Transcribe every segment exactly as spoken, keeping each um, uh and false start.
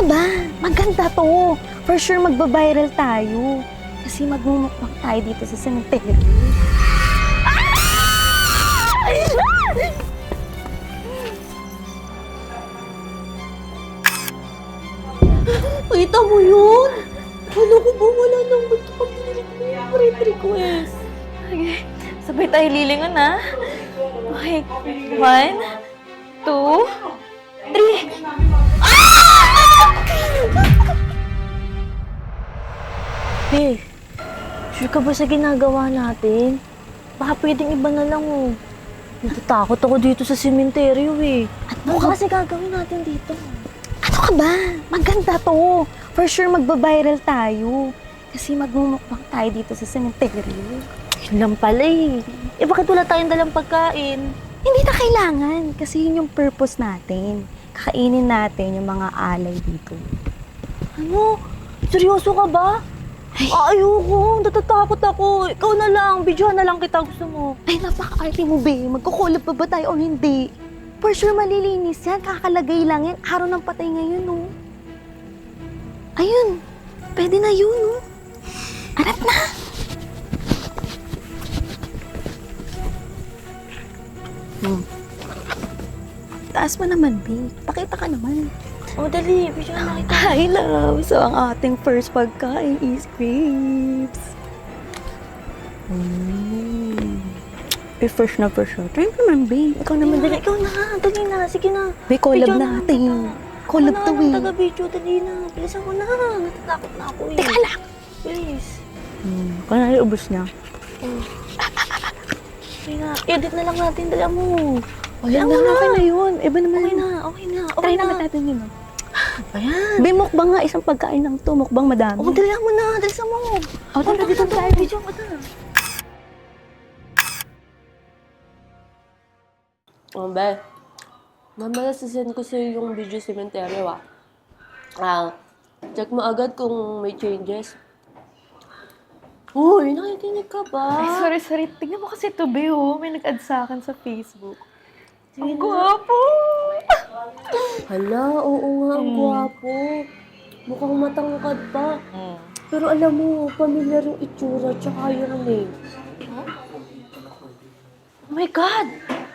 ba? Maganda to. For sure magbabiral tayo. Kasi magmumukbang tayo dito sa cemetery. Kita mo yun? Ano ko ba wala nang ba't pag nililig mo yung friend request? Okay. Sabay tayo lilingon, ha? Okay. One, two, three. Hey, sure ka ba sa ginagawa natin? Baka pwedeng iba na lang, oh. Natatakot ako dito sa sementeryo, eh. At Ano mukhang, kasi gagawin natin dito? ano ka ba? Maganda to. For sure magbabiral tayo. Kasi magmumukbang tayo dito sa cemetery. Yun lang pala, eh. Eh, bakit wala tayong dalang pagkain? Hindi na kailangan. Kasi yun yung purpose natin. Kakainin natin yung mga alay dito. Ano? Seryoso ka ba? Ay. Ah, ayoko. Natatakot ako. Ikaw na lang. Videohan na lang kita. Gusto mo. Ay, napaka-arte mo, be. Magkukulab pa ba tayo o hindi? For sure malilinis yan. Kakalagay lang yan. Araw ng patay ngayon, no? Ayun. Pwede na yun, no? Arap na. Hmm. Taas mo naman, be. Pakita ka naman. Oh, dali. Videohan na kita. Hi, love! So, ang ating first pagkain is grapes. Mm. Eh, fresh na fresh na. Try mo naman, babe. Ikaw naman, dali. Ikaw na. Dali na. Sige na. Babe, collab Videohan na natin. kita. Collab Ako to, na ang eh. taga-video. Dali na. Bilisan ko na. Natatakot na ako, eh. Teka lang! Please. Hmm. Kung na ubos niya. Oh. Sige na. Edit na lang natin. Dali mo. Wala Alam na, mo na. okay na yun. Iba naman Okay yun. na. Okay na. Okay Try na. naman natin yun, no? Ayan. Babe, mukbang nga. Isang pagkain lang to. Mukbang madami. Oh, dali mo na. Dali sa mo. Oh, tara, dito tayo. Video ko na. Oh, be. Mamaya sisend ko sa'yo yung video cemetery, ah. Ah, check mo agad kung may changes. Uy, nakikinig ka ba? Ay, sorry, sorry. Tignan mo kasi ito, be, oh. May nag-add sa akin sa Facebook. Sige Ang na. gwapo! Hala, oo nga, ang Mm. gwapo. Mukhang matangkad pa. Mm. Pero alam mo, familiar yung itsura tsaka yung name. Oh my God!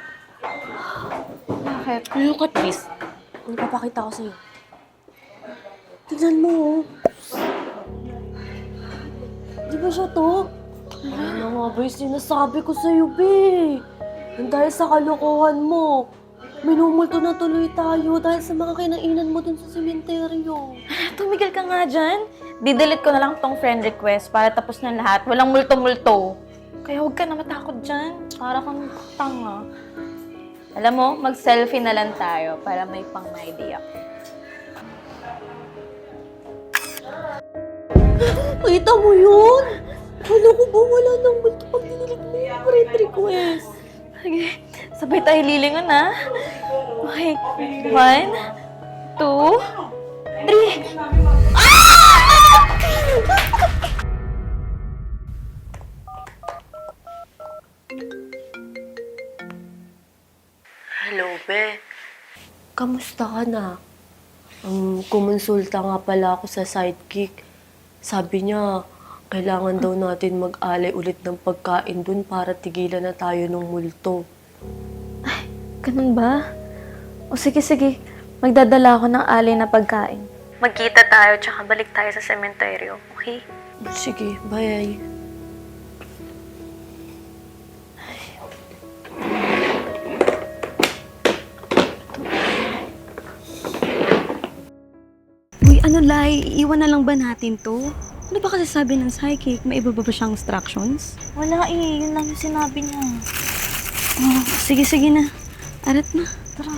Bakit? Look at this. Ano papakita ko sa'yo? Tignan mo, oh. Di ba siya to? Ano nga ba yung sinasabi ko sa'yo, be? Yung dahil sa kalokohan mo, minumulto na tuloy tayo dahil sa mga kinainan mo dun sa sementeryo. Tumigil ka nga dyan. Didelete ko na lang tong friend request para tapos na lahat. Walang multo-multo. Kaya huwag ka na matakot dyan. Para kang tanga. Alam mo, mag-selfie na lang tayo para may pang-idea. Kita mo yun? Ano ko ba wala nang multo pag nililig mo yung friend request? Okay. Sabay tayo lilingon, ha? Okay. One, two, three. Hello, be. Kamusta ka na? Um, kumonsulta nga pala ako sa sidekick. Sabi niya, kailangan daw natin mag-alay ulit ng pagkain dun para tigilan na tayo ng multo. Ganun ba? O sige, sige. Magdadala ako ng alay na pagkain. Magkita tayo, tsaka balik tayo sa sementeryo. Okay? Sige, bye. Uy, ano, Lai? Iiwan na lang ba natin to? Ano ba kasi sabi ng psychic? May iba ba ba siyang instructions? Wala eh, yun lang yung sinabi niya. Oh, sige, sige na. Arat na. Tara.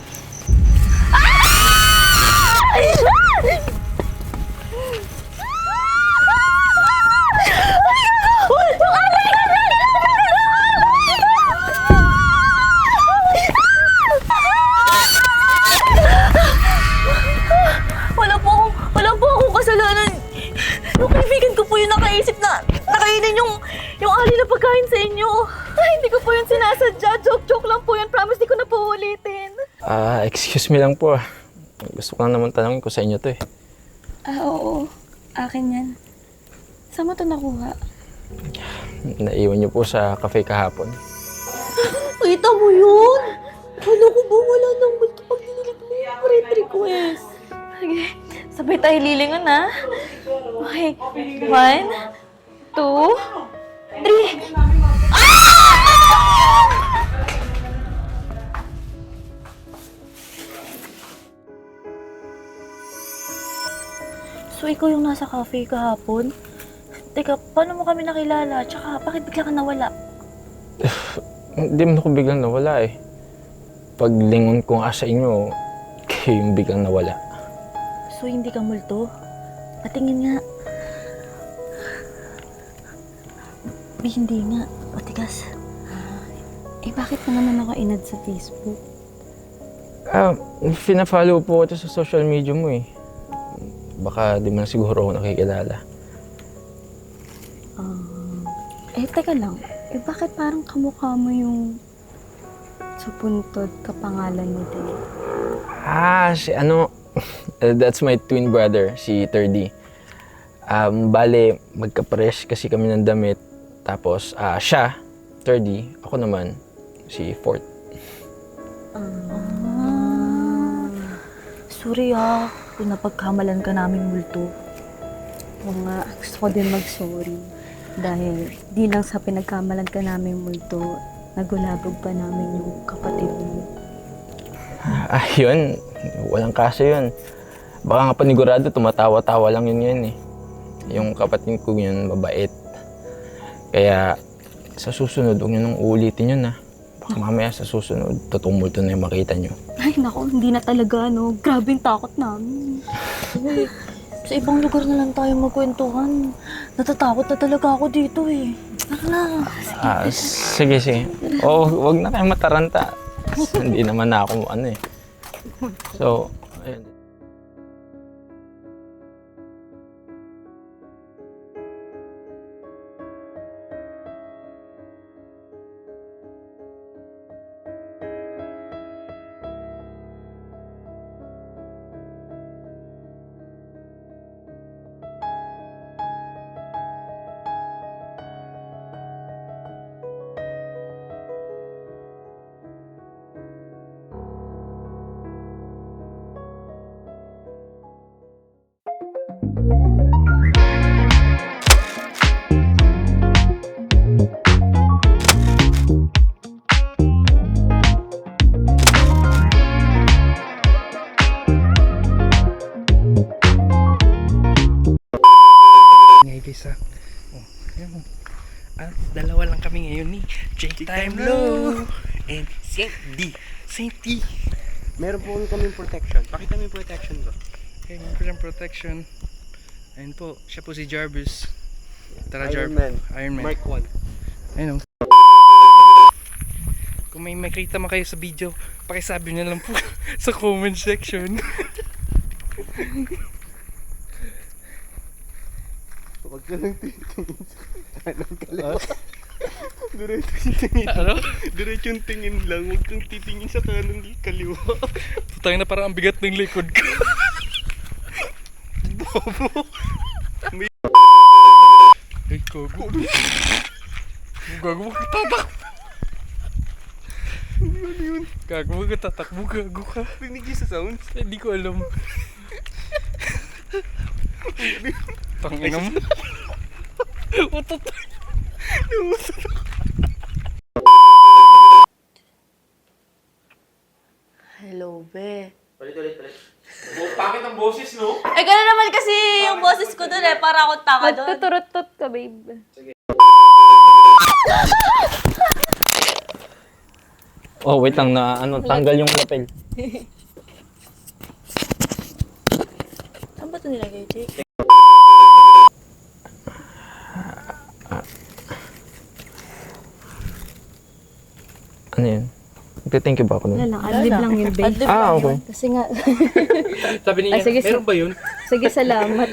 Wala po akong, wala po akong kasalanan. Yung kaibigan ko po yung nakaisip na nakainin yung, yung ali na pagkain sa inyo. Ay, hindi ko po yun sinasadya. Joke-joke lang po yun. Promise, di ko na po ulitin. Ah, excuse me lang po. Gusto ko lang naman tanongin kung sa inyo to eh. Ah, oo. Akin yan. Saan mo ito nakuha? Naiwan niyo po sa cafe kahapon. Kita mo yun? Ano ko ba wala nang multo pag dinilig mo yung friend request? Sige, sabay tayo lilingon ha. Okay, one, two, three. So, ikaw yung nasa cafe kahapon? Teka, paano mo kami nakilala? Tsaka, bakit bigla ka nawala? Hindi mo ako biglang nawala eh. Paglingon ko nga sa inyo, kayo yung biglang nawala. So, hindi ka multo? Patingin nga. Di, hindi nga. Matigas. Eh, bakit ka naman ako inad sa Facebook? Ah, fina-follow po ito sa social media mo eh. Baka di mo na siguro ako nakikilala. Um, eh, teka lang. Eh, bakit parang kamukha mo yung supuntod kapangalan mo din? Ah, si ano, that's my twin brother, si thirty. Um, bale, magkapares kasi kami ng damit. Tapos, ah, siya, thirty, ako naman, si fourth. Ah, sorry ah, kung napagkamalan ka namin multo. Oo nga, gusto ko din mag-sorry. Dahil di lang sa pinagkamalan ka namin multo, nagulabog pa namin yung kapatid mo. Ah, yun, walang kaso yun. Baka nga panigurado, tumatawa-tawa lang yun yun eh. Yung kapatid ko yun, mabait. Kaya, sa susunod, huwag nyo nang uulitin yun ah. Baka mamaya sa susunod, totoong multo na yung makita nyo. Ay nako, hindi na talaga no. Grabe yung takot namin. Uy, sa ibang lugar na lang tayo magkwentuhan. Natatakot na talaga ako dito eh. Tara na. Ah, sige, sige. Oo, huwag na kayo mataranta. Hindi naman na ako ano eh. So, ayun. Ngay guys ah. Oh, ayan mo. At dalawa lang kami ngayon ni Jake Time Low and Saint D. Saint D. Meron po kaming protection. Pakita mo yung protection ko. Okay, meron po siyang protection. Ayun po, siya po si Jarvis. Tara Iron Jarvis. Man. Iron Man. Mark one. Ayun o. Kung may makita man kayo sa video, pakisabi na lang po sa comment section. Huwag ka lang titingin sa kanan kaliwa. Diretso yung tingin. Ano? Diretso yung tingin lang. Huwag kang titingin sa kanan kaliwa. Putang na, parang ang bigat ng likod ko. Bobo. Ay, gago. Gago, huwag kang tatakbo. Ano yun? Gago, huwag kang tatakbo. Gago ka. Rinig niyo sa sounds? Eh, di ko alam. Tangina mo. Utot. Hello, be. Pangit ang boses, no? Eh, gano'n naman kasi yung boses ko dun eh. Para akong tanga dun. Magtuturot-tot ka, babe. Oh, wait lang na ano, tanggal yung lapel. Saan ba ito nilagay, Jake? Ano yun? Nagte-thank you ba ako Wala nun? lang, adlib lang yun, babe. Adlib Ah, lang okay. yun. Kasi nga, Sabi niya, Ah, sige, meron ba yun? Sige, salamat.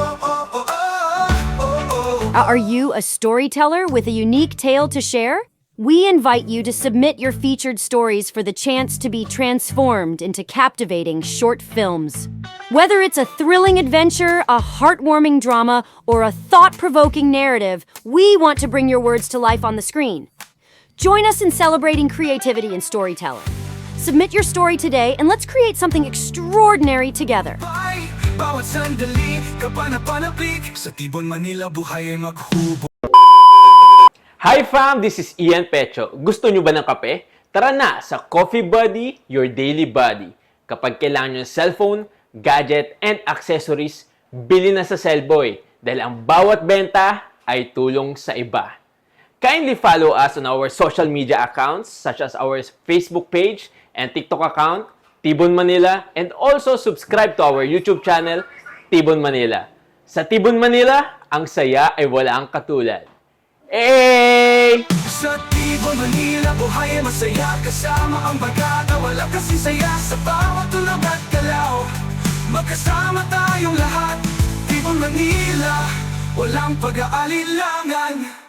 Are you a storyteller with a unique tale to share? We invite you to submit your featured stories for the chance to be transformed into captivating short films. Whether it's a thrilling adventure, a heartwarming drama, or a thought-provoking narrative, we want to bring your words to life on the screen. Join us in celebrating creativity and storytelling. Submit your story today and let's create something extraordinary together. Bawat sandali, kapanapanabik, sa Tibon, Manila, buhay ay maghubo. Hi fam, this is Ian Pecho. Gusto nyo ba ng kape? Tara na sa Coffee Buddy, your daily buddy. Kapag kailangan nyo ng cellphone, gadget, and accessories, bili na sa Cellboy dahil ang bawat benta ay tulong sa iba. Kindly follow us on our social media accounts such as our Facebook page and TikTok account, Tibon Manila, and also subscribe to our YouTube channel, Tibon Manila. Sa Tibon Manila, ang saya ay walang katulad. Hey! Sa Tibon, Manila, buhay ay masaya. Kasama ang bagata, wala kasing saya. Sa bawat tulog at galaw, magkasama tayong lahat. Tibon, Manila, walang pag-aalilangan.